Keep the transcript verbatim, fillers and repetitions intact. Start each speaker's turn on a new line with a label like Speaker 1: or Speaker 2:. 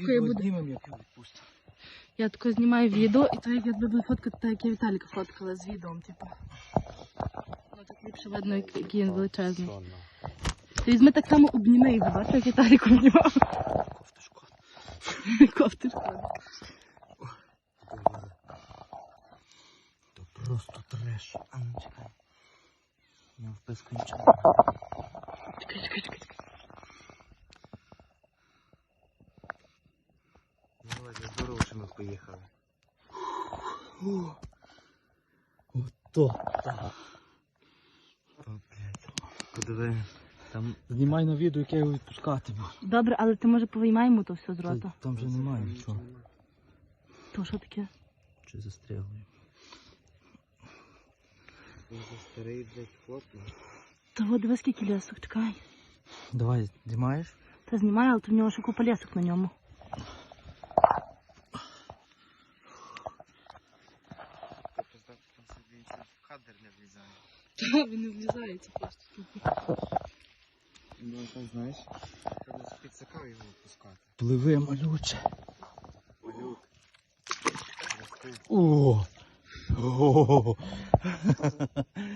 Speaker 1: тако я буду. Я тако знімаю відео, і то як я буду фоткати, так як я Віталіка фоткала з відео, типу. Ну так ліпше видно, який він величезний. Ти візьми так само обніми його, бачиш, як Віталік обнімав.
Speaker 2: Кофти шкода.
Speaker 1: Кофти шкода.
Speaker 2: То просто треш. А ну чекай. У нього впис кончає.
Speaker 1: Чекай, чекай, чекай.
Speaker 2: Володя, здорово, що ми поїхали. Ото. О, блядь. Подиви. Там знімай на відео, як я його відпускатиму.
Speaker 1: Добре, але ти може повиймаємо то все з рота.
Speaker 2: Та, там вже немає нічого.
Speaker 1: То що таке?
Speaker 2: Чи застрягли? Це старий, блядь, фото.
Speaker 1: Та от диви скільки лісок, чекай.
Speaker 2: Давай, знімаєш?
Speaker 1: Та знімай, але то в нього ще купа лісок на ньому.
Speaker 2: Кадр не влізає.
Speaker 1: Та, він не влізається просто.
Speaker 2: Ну, так, знаєш, треба підсакав його відпускати. Пливи, малюче. Малюк. О! О!